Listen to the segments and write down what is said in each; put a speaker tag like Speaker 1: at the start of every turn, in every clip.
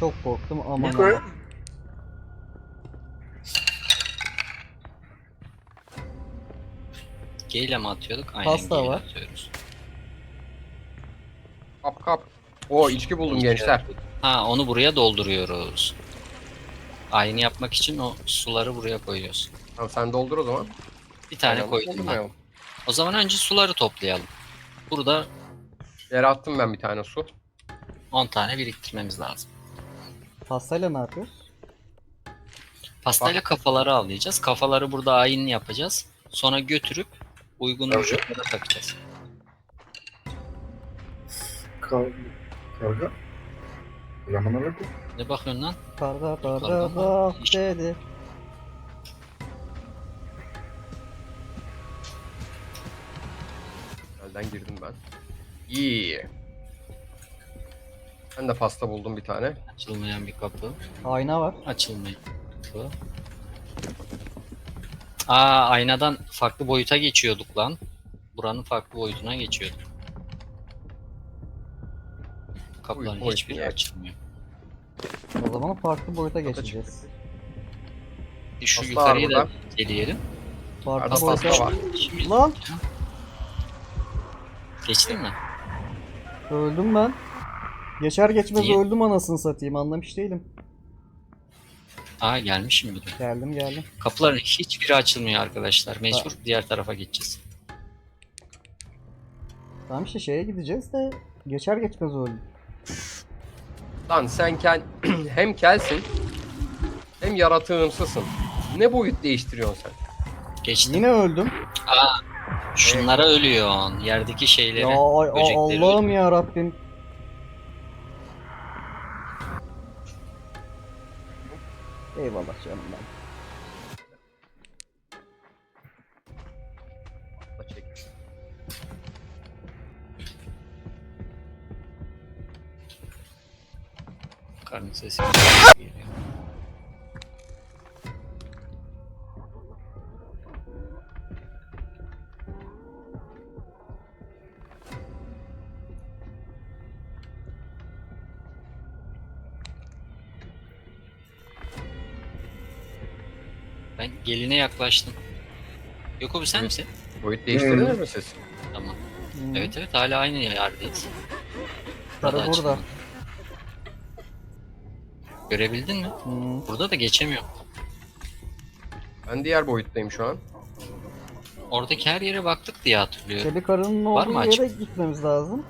Speaker 1: çok korktum aman
Speaker 2: Niko'ya
Speaker 1: aman.
Speaker 3: G ile mi atıyorduk? Aynen G
Speaker 1: Pasta
Speaker 3: ile
Speaker 1: var.
Speaker 3: atıyoruz.
Speaker 2: Kap kap. O içki buldum gençler.
Speaker 3: Ha, onu buraya dolduruyoruz. Aynı yapmak için o suları buraya koyuyoruz.
Speaker 2: Tamam sen doldur o zaman.
Speaker 3: Bir tane
Speaker 2: Aynen,
Speaker 3: koydum ben.
Speaker 2: doldurmayalım.
Speaker 3: O zaman önce suları toplayalım. Burada
Speaker 2: Yere attım ben bir tane su.
Speaker 3: 10 tane biriktirmemiz lazım.
Speaker 1: Pastayla ne yapıyoruz?
Speaker 3: Pastayla kafaları avlayacağız. Kafaları burada ayinli yapacağız. Sonra götürüp uygun
Speaker 2: Evet.
Speaker 3: vücutlara takacağız.
Speaker 2: Karga. Yaman öyle.
Speaker 3: Ne bakıyorsun lan?
Speaker 1: Karga
Speaker 3: Karga
Speaker 1: karga
Speaker 3: mı?
Speaker 1: bak
Speaker 3: İşte.
Speaker 1: dedi.
Speaker 2: Elden girdim ben. İyi. Ben de pasta buldum bir tane.
Speaker 3: Açılmayan bir kapı.
Speaker 1: Ayna var.
Speaker 3: Açılmayan kapı. Aa, aynadan farklı boyuta geçiyorduk lan. Buranın farklı boyutuna geçiyorduk. Kapıların
Speaker 2: boyut
Speaker 3: hiçbiri
Speaker 2: niye?
Speaker 3: açılmıyor.
Speaker 1: O zaman farklı boyuta geçeceğiz.
Speaker 3: Şu
Speaker 2: Pasta
Speaker 3: yukarıyı
Speaker 2: var
Speaker 3: da
Speaker 2: burada.
Speaker 3: eleyelim.
Speaker 1: Farklı
Speaker 2: Arada
Speaker 1: boyuta...
Speaker 2: pasta var.
Speaker 3: Şimdi
Speaker 1: Lan
Speaker 3: geçtin mi?
Speaker 1: öldüm ben. Geçer geçmez
Speaker 3: Niye?
Speaker 1: öldüm anasını satayım anlamış değilim.
Speaker 3: Aa, gelmişim bir de.
Speaker 1: Geldim.
Speaker 3: Kapıların hiçbiri açılmıyor arkadaşlar. Mecbur diğer tarafa geçeceğiz.
Speaker 1: Tamam işte şeye gideceğiz de geçer geçmez öldüm.
Speaker 2: Lan sen hem kelsin hem yaratığımsızsın. Ne boyut değiştiriyorsun sen?
Speaker 3: Geçtim.
Speaker 1: Yine öldüm.
Speaker 3: Şunlara ölüyorsun. Yerdeki şeylere,
Speaker 1: Ya
Speaker 3: böcekleri
Speaker 1: Allah'ım
Speaker 3: ölüyor.
Speaker 1: ya Rabbim. Eyvallah canım ben.
Speaker 2: Çek.
Speaker 3: Karnın sesi geliyor. Ben geline yaklaştım. Yok abi, sen misin?
Speaker 2: Boyut değiştirdiniz mi siz?
Speaker 3: Tamam.
Speaker 1: Hmm.
Speaker 3: Evet hala aynı yerdayız.
Speaker 1: Karı burada.
Speaker 3: açılmadı. Görebildin mi?
Speaker 1: Hmm.
Speaker 3: Burada da geçemiyorum.
Speaker 2: Ben diğer boyuttayım şu an.
Speaker 3: Oradaki her yere baktık diye hatırlıyorum.
Speaker 1: Çelik karının
Speaker 3: Var
Speaker 1: olduğu
Speaker 3: mı
Speaker 1: yere
Speaker 3: açık?
Speaker 1: gitmemiz lazım.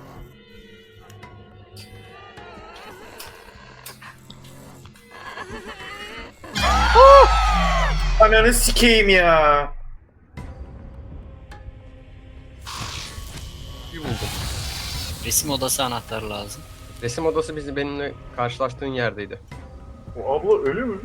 Speaker 4: Ananı sikeyim ya.
Speaker 2: Bir buldum.
Speaker 3: Resim odası anahtarı lazım.
Speaker 2: Resim odası benimle karşılaştığın yerdeydi.
Speaker 4: O abla ölü mü?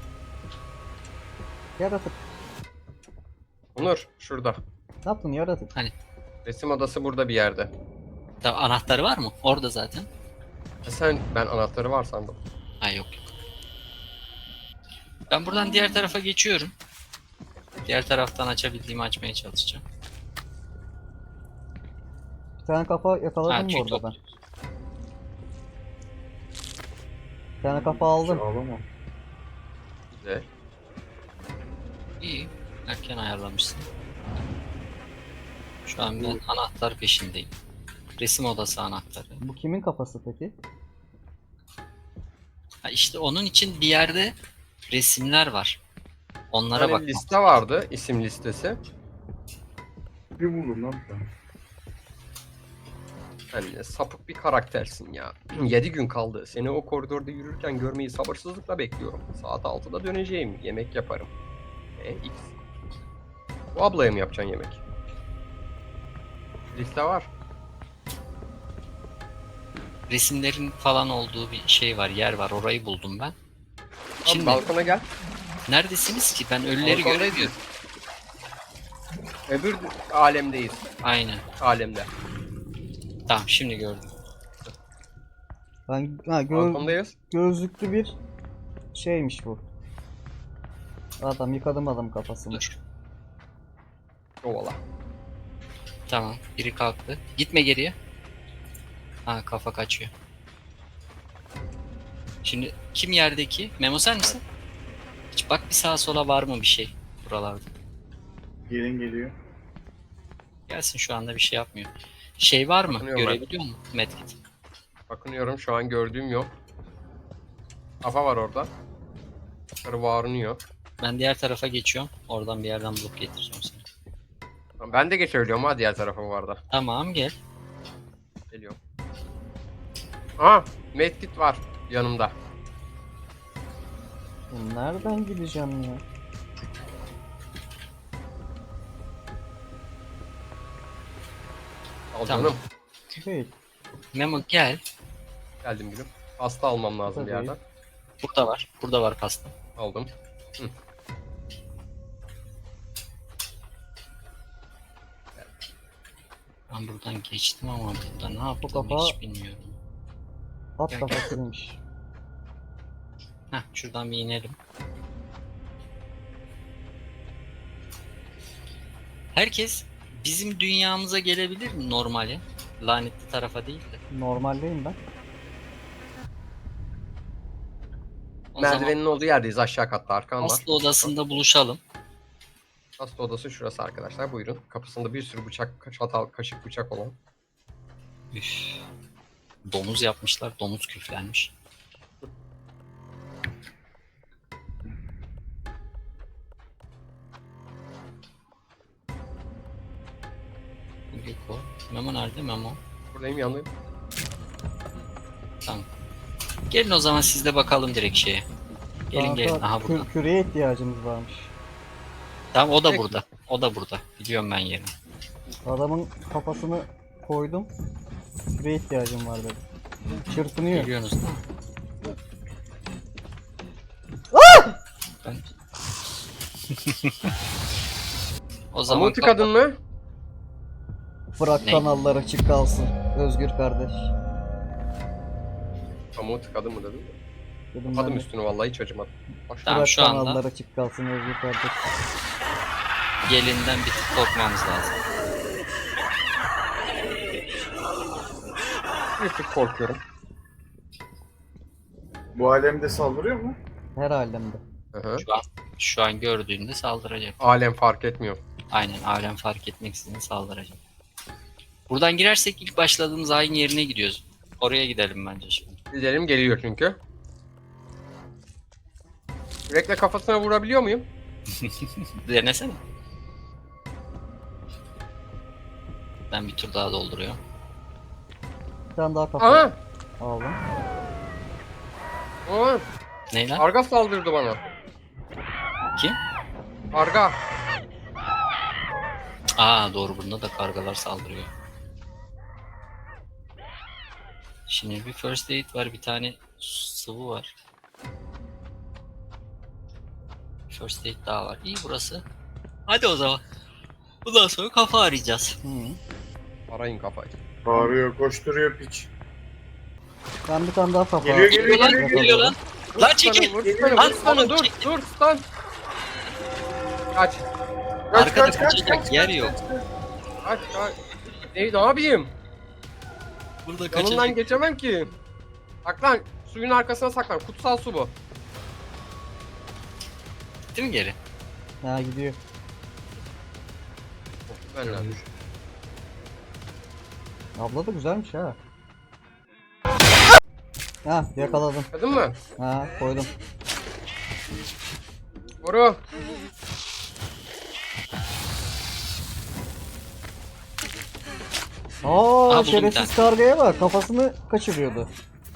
Speaker 1: Yaratık.
Speaker 2: Onur şurada.
Speaker 1: Ne yaptın yaratık?
Speaker 2: Resim odası burada bir yerde.
Speaker 3: Anahtarı var mı? Orada zaten.
Speaker 2: Ben anahtarı var sandım.
Speaker 3: Ha, yok. Ben buradan diğer tarafa geçiyorum. Diğer taraftan açabildiğimi açmaya çalışacağım.
Speaker 1: Bir tane kafa yakaladım
Speaker 3: tüy
Speaker 1: bu arada ben.
Speaker 3: topluyoruz.
Speaker 1: Bir tane kafa aldım.
Speaker 4: Ağlama.
Speaker 2: Güzel.
Speaker 3: İyi. Erken ayarlamışsın. Şu an ben anahtar peşindeyim. Resim odası anahtarı.
Speaker 1: Bu kimin kafası peki?
Speaker 3: Ha, işte onun için bir yerde resimler var. Onlara
Speaker 2: Hani
Speaker 3: bak.
Speaker 2: liste vardı, isim listesi.
Speaker 4: Bir buldum lan ben.
Speaker 2: Hani sapık bir karaktersin ya. 7 gün kaldı. Seni o koridorda yürürken görmeyi sabırsızlıkla bekliyorum. Saat 6'da döneceğim. Yemek yaparım. X. Bu ablaya mı yapacaksın yemek? Liste var.
Speaker 3: Resimlerin falan olduğu bir şey var, yer var. Orayı buldum ben.
Speaker 2: Şimdi
Speaker 3: Şimdi
Speaker 2: balkona gel.
Speaker 3: neredesiniz ki? Ben ölüleri
Speaker 2: Balkondayız.
Speaker 3: göremiyorum.
Speaker 2: Öbür alemdeyiz.
Speaker 3: Aynen.
Speaker 2: Alemde.
Speaker 3: Tamam, şimdi gördüm.
Speaker 1: Ben
Speaker 2: Balkondayız.
Speaker 1: gözlüklü bir şeymiş bu. Adam yıkadım adam kafasını.
Speaker 3: Dur.
Speaker 2: Kovala.
Speaker 3: Tamam. Biri kalktı. Gitme geriye. Ha, kafa kaçıyor. Şimdi kim yerdeki? Memo sen misin? Hiç bak bir sağa sola var mı bir şey buralarda?
Speaker 4: Gelin geliyor.
Speaker 3: Gelsin şu anda bir şey yapmıyor. Şey var mı?
Speaker 2: Bakınıyorum ben.
Speaker 3: Görebiliyor musun? Medkit.
Speaker 2: Bakınıyorum, şu an gördüğüm yok. Kafa var orada. Yukarı varınıyor.
Speaker 3: Ben diğer tarafa geçiyorum. Oradan bir yerden bulup getireceğim seni.
Speaker 2: Tamam, ben de geçebiliyorum ha diğer tarafa bu arada.
Speaker 3: Tamam gel.
Speaker 2: Geliyorum. Aa, medkit var yanımda.
Speaker 1: Nereden gideceğim ya?
Speaker 2: Al
Speaker 3: Tamam.
Speaker 2: canım.
Speaker 1: Değil.
Speaker 3: Memo gel.
Speaker 2: Geldim gülüm. Pasta almam lazım bir
Speaker 1: Tabii.
Speaker 2: yerden.
Speaker 3: Burada var. Burada var pasta.
Speaker 2: Aldım.
Speaker 3: Ben buradan geçtim ama burada ne yaptım
Speaker 1: kafa-
Speaker 3: hiç bilmiyorum.
Speaker 1: At
Speaker 3: Gel,
Speaker 1: kafasıymış.
Speaker 3: Heh, şuradan bir inelim. Herkes bizim dünyamıza gelebilir mi normale? Lanetli tarafa değil de.
Speaker 1: Normaldeyim ben.
Speaker 3: O zaman
Speaker 2: Merdivenin olduğu yerdeyiz, aşağı katta arkan var.
Speaker 3: hasta odasında buluşalım.
Speaker 2: Hasta odası şurası arkadaşlar, buyurun. Kapısında bir sürü bıçak, çatal, kaşık, bıçak olan.
Speaker 3: Üf. Domuz yapmışlar. Domuz küflenmiş. Yuko. Memo nerede? Memo.
Speaker 2: Buradayım, yanındayım.
Speaker 3: Tamam. Gelin o zaman siz de bakalım direkt şeye. Gelin
Speaker 1: Kanka,
Speaker 3: gelin. Aha burada.
Speaker 1: Küreye ihtiyacımız varmış.
Speaker 3: Tamam o da
Speaker 2: Peki.
Speaker 3: burada. O da burada. Biliyorum ben yerini.
Speaker 1: Adamın kafasını koydum. Küreye ihtiyacım var dedi. Çırpınıyor.
Speaker 3: Geliyorsunuz değil mi? Ben... O zaman
Speaker 2: Amuti kadın mı?
Speaker 1: Bırak
Speaker 3: Ne?
Speaker 1: kanallar açık kalsın. Özgür kardeş.
Speaker 2: Amuti kadın mı dedim.
Speaker 1: Dedim
Speaker 2: Kapadım
Speaker 1: ben de,
Speaker 2: üstünü vallahi, hiç acımadım. Başla.
Speaker 3: Tamam,
Speaker 1: bırak
Speaker 3: şu anda-
Speaker 1: kanallar açık kalsın Özgür kardeş.
Speaker 3: gelinden bir tık korkmamız lazım.
Speaker 2: Bir tık korkuyorum.
Speaker 4: Bu alemde saldırıyor mu?
Speaker 1: Her alemde.
Speaker 2: Hı hı.
Speaker 3: Şu an gördüğünde saldıracak.
Speaker 2: Alem fark etmiyor.
Speaker 3: Aynen alem fark etmeksizin saldıracak. Buradan girersek ilk başladığımız ayın yerine gidiyoruz. Oraya gidelim bence şimdi.
Speaker 2: Gidelim, geliyor çünkü. Yürekle kafasına vurabiliyor muyum?
Speaker 3: Denesene. Ben bir tur daha dolduruyorum.
Speaker 1: Bir tane daha kafa
Speaker 2: Aha!
Speaker 1: aldım.
Speaker 2: Aa!
Speaker 3: Ne lan?
Speaker 2: Arga saldırdı bana.
Speaker 3: Kim?
Speaker 2: Arga.
Speaker 3: Aa doğru, bunda da kargalar saldırıyor. Şimdi bir first aid var, bir tane sıvı var. First aid daha var. İyi burası. Hadi o zaman. Bundan sonra kafa arayacağız.
Speaker 1: Hı.
Speaker 2: Arayın kafayı.
Speaker 4: Bağırıyor, koşturuyor piç.
Speaker 1: Ben bir tane daha kafa
Speaker 4: Geliyor,
Speaker 1: aldım.
Speaker 4: geliyor,
Speaker 3: Lan
Speaker 4: geliyor,
Speaker 3: geliyor lan. Lan çekil.
Speaker 2: Vur
Speaker 4: Geliyor.
Speaker 2: sana,
Speaker 3: Lan
Speaker 2: vur sana,
Speaker 3: oğlum,
Speaker 2: dur,
Speaker 3: çekil.
Speaker 2: dur, stun. Kaç,
Speaker 3: Arkada kaçacak yer yok.
Speaker 2: kaç. Ne yapayım?
Speaker 3: Burada
Speaker 2: Yanından
Speaker 3: kaçacak.
Speaker 2: geçemem ki. Saklan, suyun arkasına saklan. Kutsal su bu.
Speaker 3: Gitti mi geri?
Speaker 1: Ha gidiyor.
Speaker 2: Ben de.
Speaker 1: Abla da güzelmiş ha. Ha yakaladım.
Speaker 2: Kadın mı?
Speaker 1: Ha koydum.
Speaker 2: Vuru.
Speaker 1: Aa
Speaker 3: buldum bir
Speaker 1: şerefsiz kargaya bak, kafasını kaçırıyordu.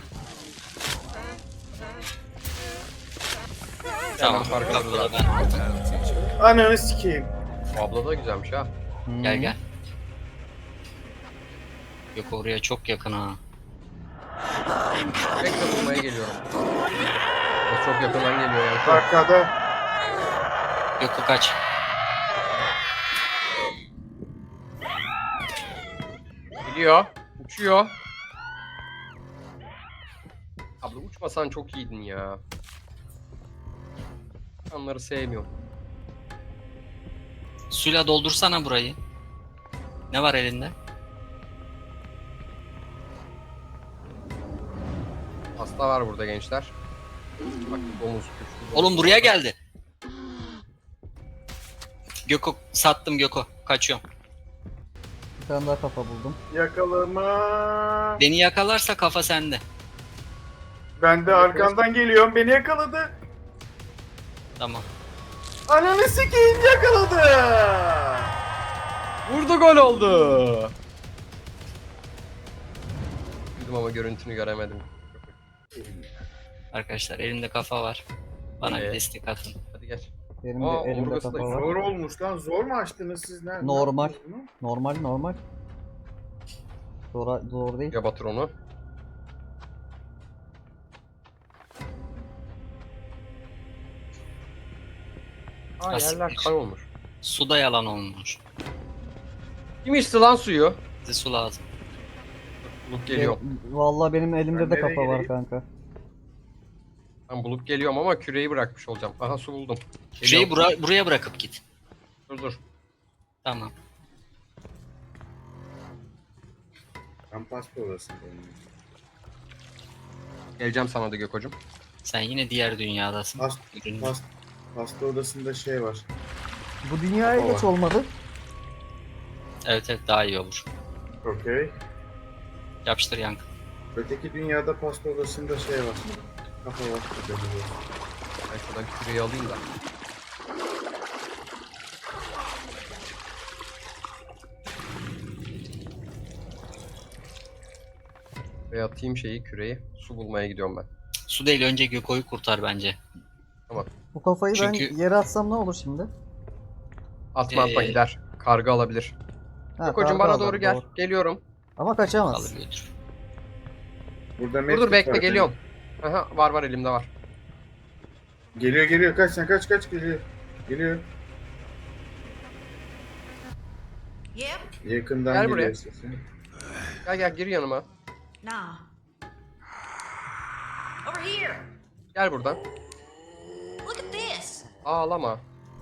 Speaker 3: Tamam.
Speaker 2: fark
Speaker 3: Bak,
Speaker 2: ediyorum.
Speaker 3: burada ben.
Speaker 4: Ananı sikeyim.
Speaker 2: Bu abla da güzelmiş ha.
Speaker 1: Hı.
Speaker 3: Gel gel. Yok oraya çok yakın ha.
Speaker 2: Bekle, bulmaya geliyorum. O çok yakından geliyor yani.
Speaker 4: Arkada.
Speaker 3: Yok kaç.
Speaker 2: Gidiyor. Uçuyor. Abla uçmasan çok iyiydin ya. Onları sevmiyorum.
Speaker 3: Suyla doldursana burayı. Ne var elinde?
Speaker 2: Hasta var burada gençler. Bak domuz güçlü.
Speaker 3: Oğlum buraya geldi. Göko sattım Göko. Kaçıyorum.
Speaker 1: Bir tane daha kafa buldum.
Speaker 4: Yakalama.
Speaker 3: Beni yakalarsa kafa sende.
Speaker 4: Ben de arkandan geliyorum. Beni yakaladı.
Speaker 3: Tamam.
Speaker 4: Ananı sikeyim, yakaladı.
Speaker 2: Vurdu, gol oldu. Bildim ama görüntünü göremedim.
Speaker 3: Arkadaşlar elimde kafa var. Bana bir
Speaker 2: Evet.
Speaker 3: destek atın.
Speaker 2: Hadi geç.
Speaker 1: Benim
Speaker 2: Aa,
Speaker 1: de elimde
Speaker 2: omurgası da
Speaker 1: kafa var.
Speaker 4: Zor olmuş lan. Zor mu açtınız siz? Ne
Speaker 1: Normal.
Speaker 4: yaptınız bunu?
Speaker 1: Normal. Zor değil.
Speaker 2: Ya batır onu. Aa,
Speaker 3: Asiktir.
Speaker 2: yerler kan olmuş.
Speaker 3: Suda yalan olmuş.
Speaker 2: Kim içti lan suyu?
Speaker 3: Bize su lazım.
Speaker 2: Bulup geliyorum.
Speaker 1: Vallahi benim elimde
Speaker 4: Ben
Speaker 1: de
Speaker 4: nereye
Speaker 1: kafa var
Speaker 4: geleyim?
Speaker 1: kanka.
Speaker 2: Ben bulup geliyorum ama küreği bırakmış olacağım. Aha, su buldum.
Speaker 3: Şurayı
Speaker 2: Geliyorum.
Speaker 3: buraya bırakıp git.
Speaker 2: Dur.
Speaker 3: Tamam.
Speaker 4: Ben pasta odasındayım.
Speaker 2: Geleceğim sana da Gökocuğum.
Speaker 3: Sen yine diğer dünyadasın. Ürün-
Speaker 4: Pasta odasında şey var.
Speaker 1: Bu dünyaya
Speaker 4: Kafa
Speaker 1: geç
Speaker 4: var.
Speaker 1: olmadı.
Speaker 3: Evet daha iyi olur.
Speaker 4: Okey.
Speaker 3: Yapıştır yankı.
Speaker 4: Öteki dünyada pasta odasında şey var. Kafa var.
Speaker 2: Ben şuradan küreği alayım da. Ve atayım küreği. Su bulmaya gidiyorum ben.
Speaker 3: Su değil önce Göko'yu kurtar bence.
Speaker 1: Bu kafayı
Speaker 3: Çünkü-
Speaker 1: ben yere atsam ne olur şimdi?
Speaker 2: Atma gider. Karga alabilir.
Speaker 1: Ha,
Speaker 2: Gökocuğum
Speaker 1: karga
Speaker 2: bana
Speaker 1: alır,
Speaker 2: doğru gel.
Speaker 1: doğru.
Speaker 2: Geliyorum.
Speaker 1: Ama kaçamaz.
Speaker 3: Alır götür.
Speaker 4: Burada
Speaker 2: Dur
Speaker 4: medkit
Speaker 2: bekle,
Speaker 4: var.
Speaker 2: geliyorum. Aha, var elimde var.
Speaker 4: Geliyor. Kaç sen kaç geliyor. Geliyor.
Speaker 5: Yep.
Speaker 4: Yakından
Speaker 2: Gel
Speaker 4: geliyor
Speaker 2: buraya.
Speaker 4: sesi.
Speaker 2: Gel gir yanıma.
Speaker 5: Nah. Over here.
Speaker 2: Gel buradan.
Speaker 5: Look at this.
Speaker 2: Ağlama.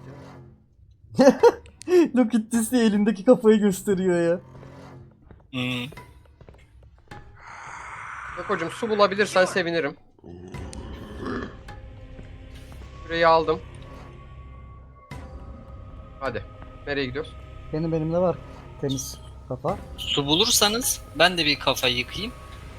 Speaker 1: Look at this diye elindeki kafayı gösteriyor ya.
Speaker 3: Hmm.
Speaker 2: Gökocuğum su bulabilirsen sevinirim. Küreği aldım. Hadi. Nereye gidiyoruz?
Speaker 1: Benim elimde var. Temiz kafa.
Speaker 3: Su bulursanız ben de bir kafayı yıkayayım.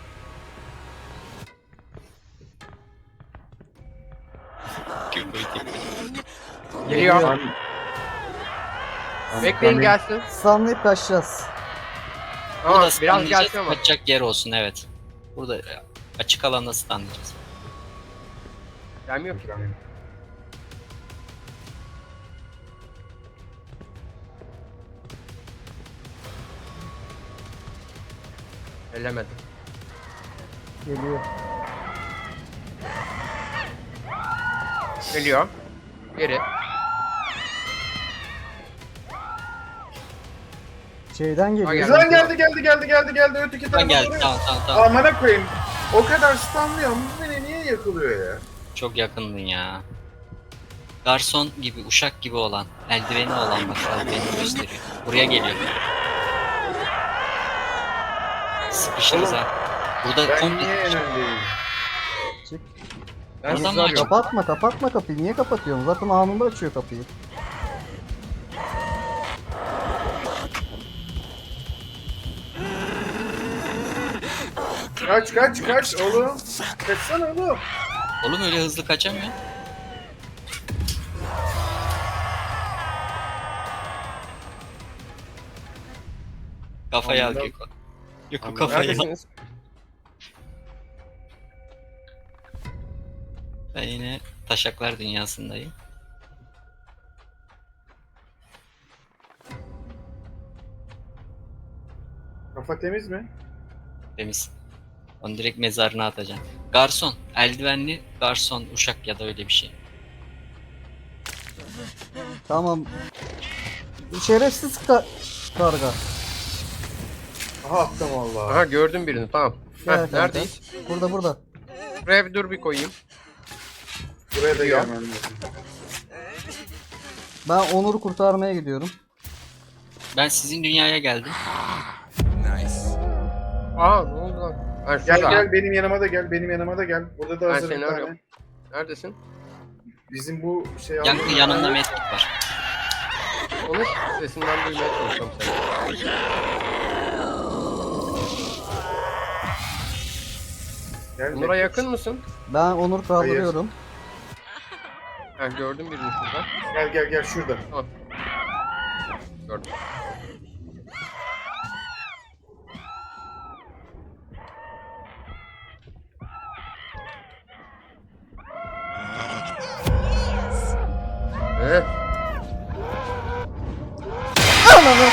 Speaker 3: Göko'yu tekrar.
Speaker 2: Geliyor.
Speaker 4: Lan-
Speaker 2: Bekleyin
Speaker 4: Lan-
Speaker 2: gelsin.
Speaker 1: Sanlayıp kaçacağız.
Speaker 2: Ama
Speaker 3: Burada
Speaker 2: biraz
Speaker 3: stunlayacağız,
Speaker 2: gelsin ama.
Speaker 3: kaçacak yer olsun evet. Burada açık alanda stunlayacağız.
Speaker 2: Gelmiyor ki. Ellemedim.
Speaker 1: Geliyor.
Speaker 2: Geliyor. Geri.
Speaker 1: Şeyden geliyor.
Speaker 2: geldi.
Speaker 4: Lan geldi. Öteki
Speaker 3: Ben geldim
Speaker 4: doğru.
Speaker 3: tamam.
Speaker 4: Amına koyayım. O kadar stunlıyor. Bu beni niye yakılıyor ya?
Speaker 3: Çok yakındın ya. Garson gibi, uşak gibi olan, eldiveni olan bak eldiveni gösteriyor. Buraya geliyor. Sıkışırız ha. Burada
Speaker 4: Ben
Speaker 3: komple
Speaker 4: niye önemliyim?
Speaker 1: Çık.
Speaker 2: Ben
Speaker 3: Adam
Speaker 2: sizi
Speaker 3: açık.
Speaker 2: arıyorum.
Speaker 1: Kapatma kapıyı. Niye kapatıyorsun? Zaten anında açıyor kapıyı.
Speaker 4: Kaç oğlum. Kaçsana oğlum.
Speaker 3: Oğlum öyle hızlı kaçamıyor. Kafayı al
Speaker 4: Anladım.
Speaker 3: Göko. Göko kafayı al.
Speaker 2: Neredesiniz?
Speaker 3: Ben yine taşaklar dünyasındayım.
Speaker 4: Kafa temiz mi?
Speaker 3: Temiz. Onu direkt mezarına atacaksın. Garson. Eldivenli garson. Uşak ya da öyle bir şey.
Speaker 1: Tamam. Şerefsiz karga.
Speaker 4: Aha attım valla.
Speaker 2: Aha, gördüm birini, tamam.
Speaker 1: Gel
Speaker 2: Heh,
Speaker 1: kanka.
Speaker 2: neredeyiz?
Speaker 1: Burada.
Speaker 2: Buraya bir dur, bir koyayım.
Speaker 4: Buraya da
Speaker 2: Yok.
Speaker 4: gelmem lazım.
Speaker 1: Ben Onur'u kurtarmaya gidiyorum.
Speaker 3: Ben sizin dünyaya geldim.
Speaker 2: Aa, ne oldu lan? Ha,
Speaker 4: Gel
Speaker 2: şurada.
Speaker 4: benim yanıma da gel. Burada da
Speaker 2: Ben
Speaker 4: hazır
Speaker 2: seni
Speaker 4: bir tane.
Speaker 2: arıyorum. Neredesin?
Speaker 4: Bizim bu şey
Speaker 3: Yankı yanında medkit var.
Speaker 2: Onu sesinden duymaya çalışıyorum seni.
Speaker 4: Gel,
Speaker 2: Onur'a yakın mısın?
Speaker 1: Ben Onur kaldırıyorum.
Speaker 2: Ha, gördüm birini şurada.
Speaker 4: Gel şurada.
Speaker 2: Tamam. Gördüm. Evet.
Speaker 1: Ananı.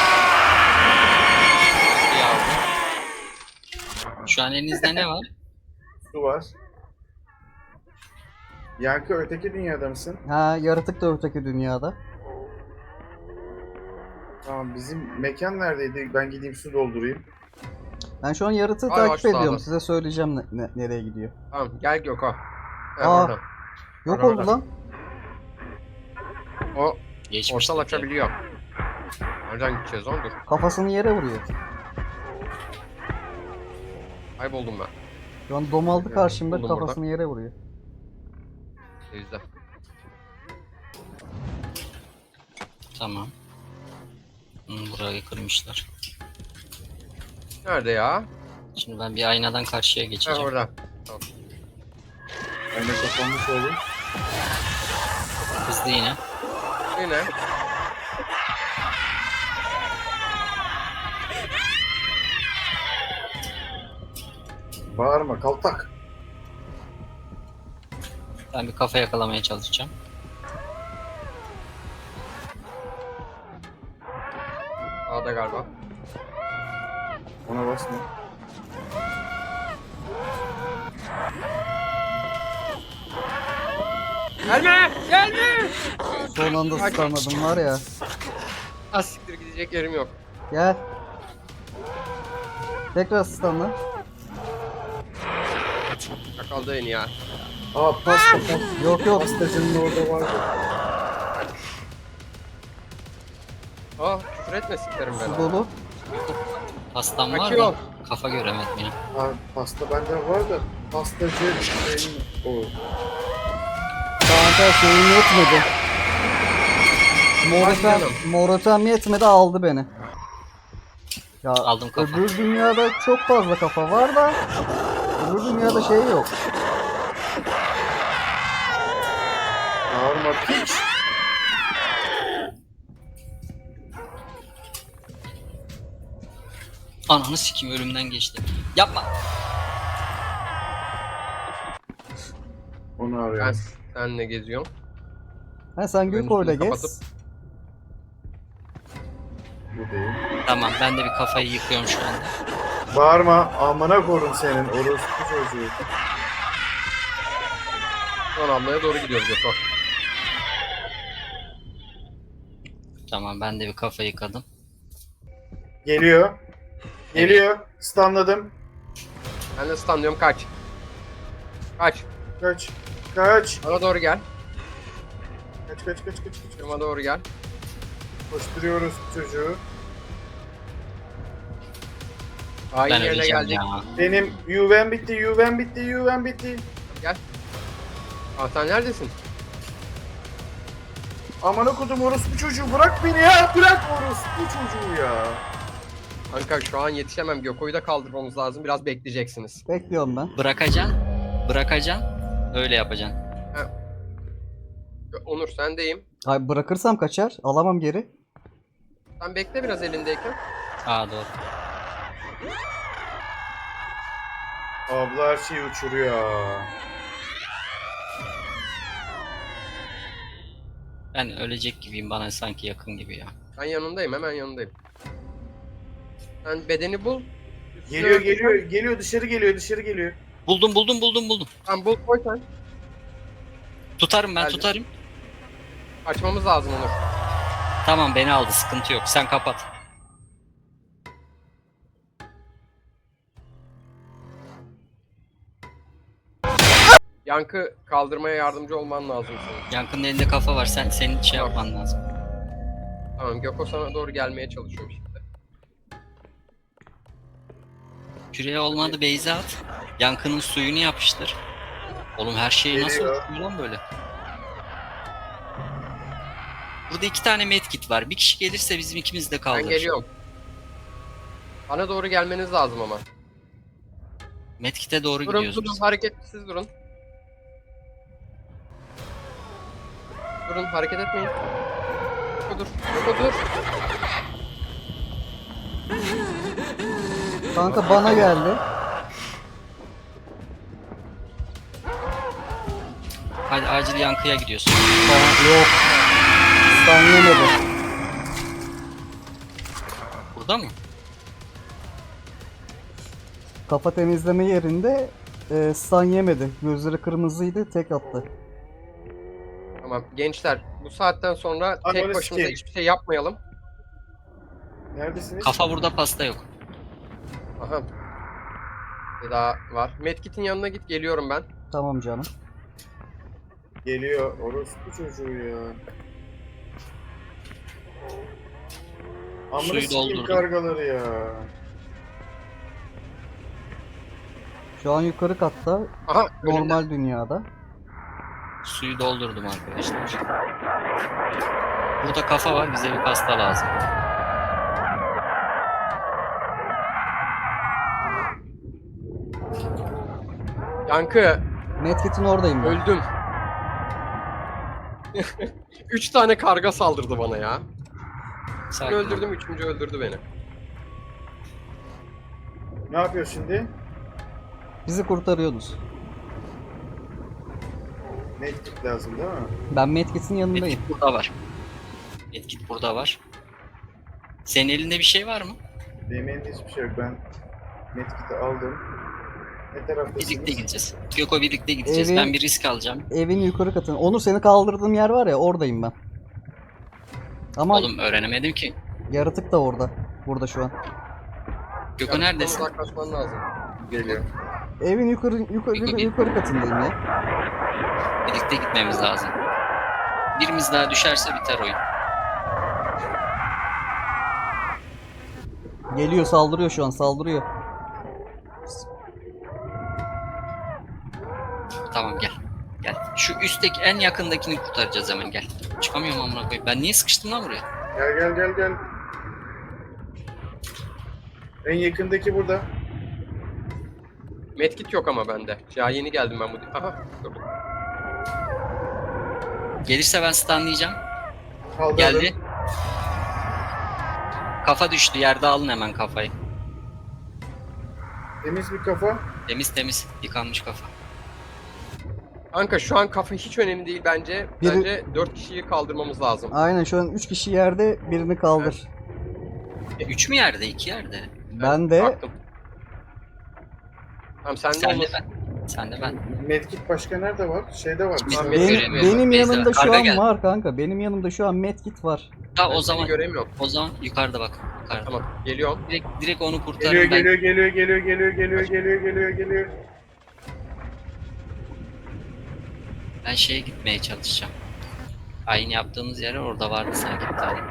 Speaker 3: Şu an elinizde ne var?
Speaker 4: Su var. Yankı öteki dünyada mısın?
Speaker 1: Ha, yaratık da öteki dünyada.
Speaker 4: Tamam, bizim mekan neredeydi? Ben gideyim su doldurayım.
Speaker 1: Ben şu an yaratığı
Speaker 2: Ay,
Speaker 1: takip
Speaker 2: aç
Speaker 1: ediyorum.
Speaker 2: sağda.
Speaker 1: Size söyleyeceğim nereye gidiyor.
Speaker 2: Tamam gel Gökhan. Gel
Speaker 1: Aa.
Speaker 2: oradan.
Speaker 1: Yok
Speaker 2: Orada,
Speaker 1: oldu
Speaker 2: orada.
Speaker 1: lan.
Speaker 2: O
Speaker 3: Geçmiş.
Speaker 2: portal açabiliyor. Nereden gideceğiz lan dur.
Speaker 1: Kafasını yere vuruyor.
Speaker 2: Kayboldum ben.
Speaker 1: Şu an domaldı karşımda,
Speaker 2: Buldum
Speaker 1: kafasını yere vuruyor.
Speaker 2: Denizde.
Speaker 3: Tamam. Burayı kırmışlar.
Speaker 2: Nerede ya?
Speaker 3: Şimdi ben bir aynadan karşıya
Speaker 2: Ha
Speaker 3: geçeceğim.
Speaker 2: orada. Tamam.
Speaker 4: Ben de kapanmış oldum.
Speaker 3: Hızlı yine.
Speaker 2: Yine.
Speaker 4: Bağırma, kaltak.
Speaker 3: Ben bir kafa yakalamaya çalışacağım.
Speaker 2: A'da galiba.
Speaker 4: Ona basma.
Speaker 2: Gelme! Gelme!
Speaker 1: Son anda
Speaker 2: Kaç.
Speaker 1: stunladım var ya.
Speaker 2: Az siktir gidecek yerim yok.
Speaker 1: Gel. Tekrar stunla.
Speaker 2: Yakaldı en ya.
Speaker 4: Aa, pasta.
Speaker 1: Yok yok.
Speaker 4: Pastacının orada vardı.
Speaker 2: Aa küfür etme siklerim ben.
Speaker 1: Su dolu.
Speaker 3: Pastam var
Speaker 2: Kaçıyor.
Speaker 3: da kafa göremedim ya.
Speaker 4: Aa, pasta bende var da pastacı benim o.
Speaker 1: Kanka şeyim yetmedi.
Speaker 2: Hadi canım.
Speaker 1: Morotem yetmedi, aldı beni. Ya
Speaker 3: Aldım kafa.
Speaker 1: öbür dünyada çok fazla kafa var da öbür dünyada şey yok.
Speaker 4: Bağırma piç.
Speaker 3: Ananı sikeyim, ölümden geçti. Yapma.
Speaker 4: Onu
Speaker 2: Ben
Speaker 4: arıyorum.
Speaker 2: seninle geziyorum.
Speaker 1: Ha, sen
Speaker 2: Ben
Speaker 1: Göko'yla
Speaker 2: üstünü
Speaker 1: gez.
Speaker 2: kapatıp-
Speaker 4: Bu değil.
Speaker 3: Tamam, ben de bir kafayı yıkıyorum şu anda.
Speaker 4: Bağırma, amına korun senin orospu çocuğu.
Speaker 2: Son ablaya doğru gidiyoruz Gökhan.
Speaker 3: Tamam, ben de bir kafa yıkadım.
Speaker 4: Geliyor. Geliyor. Stunladım.
Speaker 2: Ben de stunlıyorum kaç. Kaç.
Speaker 4: Kaç. Kaç.
Speaker 2: Bana doğru gel.
Speaker 4: Kaç.
Speaker 2: Bana doğru gel.
Speaker 4: Koşturuyoruz çocuğu.
Speaker 2: Aynı
Speaker 3: Ben
Speaker 2: yerine
Speaker 3: öleceğim
Speaker 2: geldik.
Speaker 3: ya.
Speaker 4: Benim UV'm bitti.
Speaker 2: Gel. Aa sen neredesin?
Speaker 4: Amına kodum orospu çocuğu, bırak beni ya. Bırak orospu çocuğu ya.
Speaker 2: Kanka şu an yetişemem. Göko'yu da kaldırmamız lazım. Biraz bekleyeceksiniz.
Speaker 1: Bekliyorum ben.
Speaker 3: Bırakacaksın. Öyle yapacaksın.
Speaker 2: Onur sendeyim.
Speaker 1: Hayır, bırakırsam kaçar. Alamam geri.
Speaker 2: Sen bekle biraz elindeyken.
Speaker 3: Aa, doğru.
Speaker 4: Abla her şeyi uçuruyor.
Speaker 3: Ben ölecek gibiyim, bana sanki yakın gibi ya.
Speaker 2: Ben yanındayım. Hemen yanındayım. Sen bedeni bul.
Speaker 4: Geliyor dışarı geliyor.
Speaker 3: Buldum.
Speaker 2: Sen bul koy sen.
Speaker 3: Tutarım ben,
Speaker 2: Geldim.
Speaker 3: tutarım.
Speaker 2: Açmamız lazım Onur.
Speaker 3: Tamam, beni aldı, sıkıntı yok. Sen kapat.
Speaker 2: Yankı kaldırmaya yardımcı olman lazım senin.
Speaker 3: Yankı'nın elinde kafa var. Senin şey yapman lazım.
Speaker 2: Tamam Göko sana doğru gelmeye çalışıyorum şimdi.
Speaker 3: Küreye olmadı, Beyza at. Yankı'nın suyunu yapıştır. Oğlum her şeyi nasıl
Speaker 4: Geliyor.
Speaker 3: uçuyor lan böyle? Burada 2 tane medkit var. Bir kişi gelirse bizim ikimiz de
Speaker 2: Ben
Speaker 3: kaldırır.
Speaker 2: geliyorum. Bana doğru gelmeniz lazım ama.
Speaker 3: Medkit'e doğru
Speaker 2: Durun
Speaker 3: gidiyoruz
Speaker 2: durun,
Speaker 3: biz.
Speaker 2: hareketsiz durun. Durun, hareket etmeyin. Dur, dur.
Speaker 1: Kanka bana geldi.
Speaker 3: Hadi acil yankıya gidiyorsun.
Speaker 1: Yok. Stun yemedi.
Speaker 3: Burada mı?
Speaker 1: Kafa temizleme yerinde stun yemedi. Gözleri kırmızıydı, tek attı.
Speaker 2: Tamam gençler, bu saatten sonra tek
Speaker 4: Ananı
Speaker 2: başımıza
Speaker 4: sikeyim.
Speaker 2: hiçbir şey yapmayalım.
Speaker 4: Neredesiniz?
Speaker 3: Kafa burada, pasta yok.
Speaker 2: Aha. Bir daha var. Medkit'in yanına git, geliyorum ben.
Speaker 1: Tamam canım.
Speaker 4: Geliyor. Orospu çocuğu ya. Amına
Speaker 3: Suyu
Speaker 4: sikeyim
Speaker 3: doldurdum.
Speaker 4: kargaları ya.
Speaker 1: Şu an yukarı katta,
Speaker 2: Aha, önümde.
Speaker 1: normal dünyada.
Speaker 3: Suyu doldurdum arkadaşlar. Burada kafa var, bize bir pasta lazım.
Speaker 2: Yankı,
Speaker 1: Medkit'in oradayım ben.
Speaker 2: öldüm. 3 tane karga saldırdı bana ya. Bir
Speaker 3: Sakin ol.
Speaker 2: öldürdüm, üçüncü öldürdü beni.
Speaker 4: Ne yapıyor şimdi?
Speaker 1: Bizi kurtarıyorsunuz.
Speaker 4: Medkit lazım değil mi?
Speaker 1: Ben Medkit'in yanındayım.
Speaker 3: Medkit burada var. Medkit burada var. Senin elinde bir şey var mı?
Speaker 4: Benim elimde hiçbir şey yok. Ben medkit'i aldım. Ne taraftasınız?
Speaker 3: Birlikte gideceğiz. Göko birlikte gideceğiz.
Speaker 1: Evet.
Speaker 3: Ben bir risk alacağım.
Speaker 1: Evin yukarı katında. Onur, seni kaldırdığım yer var ya, oradayım ben. Ama
Speaker 3: Oğlum öğrenemedim ki.
Speaker 1: yaratık da orada. Burada şu an.
Speaker 3: Göko
Speaker 2: Yaratıktan
Speaker 3: neredesin?
Speaker 2: uzaklaşman lazım.
Speaker 4: Geliyor.
Speaker 1: Evin yukarı katındayım ya.
Speaker 3: Birlikte gitmemiz lazım. Birimiz daha düşerse biter oyun.
Speaker 1: Geliyor, saldırıyor şu an, saldırıyor.
Speaker 3: Tamam gel. Gel. Şu üstteki en yakındakini kurtaracağız hemen, gel. Çıkamıyorum amına koyayım. Ben niye sıkıştım lan buraya?
Speaker 4: Gel. En yakındaki burada.
Speaker 2: Medkit yok ama bende. Ya yeni geldim ben bu. Aha, dur.
Speaker 3: Gelirse ben stunlayacağım.
Speaker 4: Kaldırdım.
Speaker 3: Geldi. Kafa düştü. Yerde alın hemen kafayı.
Speaker 4: Temiz bir kafa.
Speaker 3: Temiz temiz. Yıkanmış kafa.
Speaker 2: Kanka şu an kafa hiç önemli değil bence.
Speaker 1: Biri-
Speaker 2: Bence 4 kişiyi kaldırmamız lazım.
Speaker 1: Aynen, şu an 3 kişi yerde, birini kaldır.
Speaker 3: 3 mü yerde? 2 yerde.
Speaker 1: Ben de
Speaker 2: Baktım. Tamam sen de
Speaker 3: Sen de
Speaker 2: olmasın.
Speaker 3: ben. Sen de ben.
Speaker 4: Medkit başka nerede var? Şeyde var.
Speaker 2: Tamam,
Speaker 1: benim,
Speaker 3: göremiyorum.
Speaker 1: benim
Speaker 3: Neyse,
Speaker 1: yanımda şu
Speaker 3: karga
Speaker 1: an
Speaker 3: geldi.
Speaker 1: var kanka. Benim yanımda şu an medkit var.
Speaker 3: Ta
Speaker 2: Ben
Speaker 3: o
Speaker 2: seni
Speaker 3: zaman
Speaker 2: göremiyorum.
Speaker 3: yukarıda bak. Yukarıda.
Speaker 2: Tamam geliyorum.
Speaker 3: Direkt onu kurtarın.
Speaker 4: Geliyor.
Speaker 3: Ben şeye gitmeye çalışacağım. Aynı yaptığımız yere orada vardı sanki bir tane.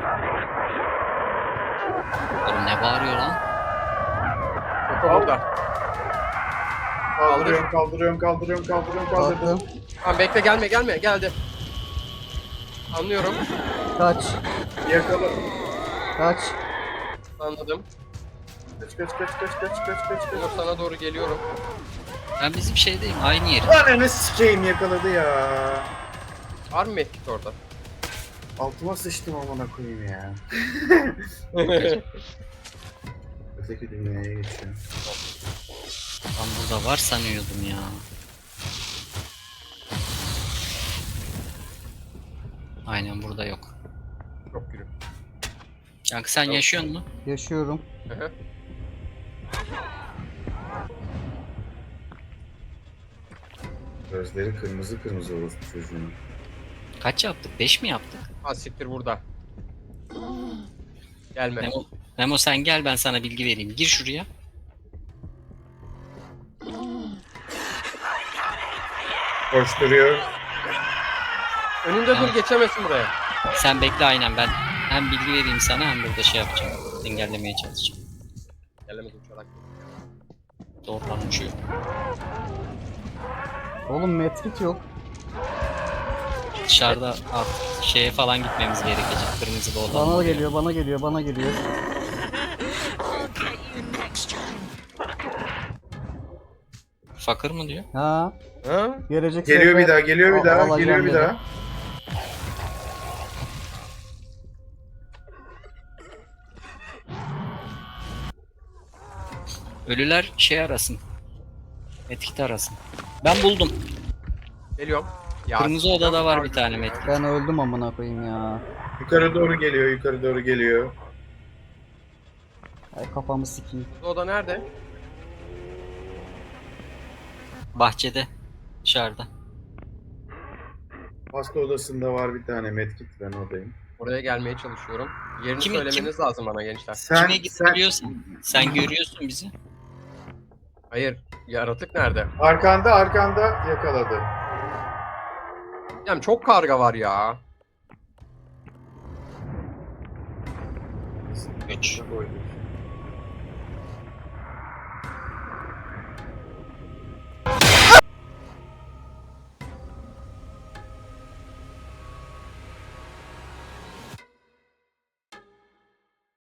Speaker 3: Oğlum ne bağırıyor lan?
Speaker 2: Kafa burada.
Speaker 4: Kaldırıyorum. Kaldırdım.
Speaker 1: Kalktım.
Speaker 2: Tamam bekle, gelme geldi. Anlıyorum.
Speaker 1: Kaç.
Speaker 4: Yakala.
Speaker 1: Kaç.
Speaker 2: Anladım.
Speaker 4: Kaç.
Speaker 2: Onur sana doğru geliyorum.
Speaker 3: Ben bizim şeydeyim, aynı yeri.
Speaker 4: Ananı sikeyim, yakaladı ya.
Speaker 2: Var mı medkit orada?
Speaker 4: Altıma sıçtım amına koyayım ya. Öteki dünyaya geçiyor.
Speaker 3: Ben burada var sanıyordum ya. Aynen burada yok.
Speaker 2: Çok gülüm.
Speaker 3: Yankı sen
Speaker 2: Yok.
Speaker 3: yaşıyor musun?
Speaker 1: Yaşıyorum.
Speaker 2: Hı hı.
Speaker 4: Gözleri kırmızı orospu çocuğun.
Speaker 3: Kaç yaptık? 5 mi yaptık?
Speaker 2: Ha siktir burada. Gelme.
Speaker 3: Memo sen gel, ben sana bilgi vereyim. Gir şuraya.
Speaker 4: Koşturuyor.
Speaker 2: Önünde dur, geçemesin buraya.
Speaker 3: Sen bekle, aynen ben hem bilgi vereyim sana hem burada şey yapacağım. Engellemeye çalışacağım.
Speaker 2: Gelemez uçarak.
Speaker 3: Doğrudan uçuyor.
Speaker 1: Oğlum medkit yok.
Speaker 3: Dışarıda şeye falan gitmemiz gerekecek. Kırmızı olan.
Speaker 1: Bana geliyor, bana geliyor, bana geliyor.
Speaker 3: Fakir mı diyor?
Speaker 1: Ha,
Speaker 2: Ha?
Speaker 1: gelecek
Speaker 4: Geliyor
Speaker 1: sefer
Speaker 4: bir daha, geliyor bir daha,
Speaker 1: alacağım
Speaker 4: geliyor bir
Speaker 1: dedi.
Speaker 4: daha.
Speaker 3: Ölüler şey arasın. Etkit arasın. Ben buldum.
Speaker 2: Geliyorum. Ya,
Speaker 3: Kırmızı odada var bir tane medkit.
Speaker 1: Ben öldüm amına koyayım ya.
Speaker 4: Yukarı doğru geliyor, yukarı doğru geliyor.
Speaker 1: Ay kafamı sikeyim.
Speaker 2: Bu oda nerede?
Speaker 3: Bahçede. Dışarıda.
Speaker 4: Hasta odasında var bir tane medkit, ben oradayım.
Speaker 2: Oraya gelmeye çalışıyorum. Yerini
Speaker 3: Kim-
Speaker 2: söylemeniz lazım bana gençler.
Speaker 3: Kime gidebiliyorsun? Sen görüyorsun bizi.
Speaker 2: Hayır. Yaratık nerede?
Speaker 4: arkanda yakaladı.
Speaker 2: Yani çok karga var ya.
Speaker 3: 3.
Speaker 4: Koyduk.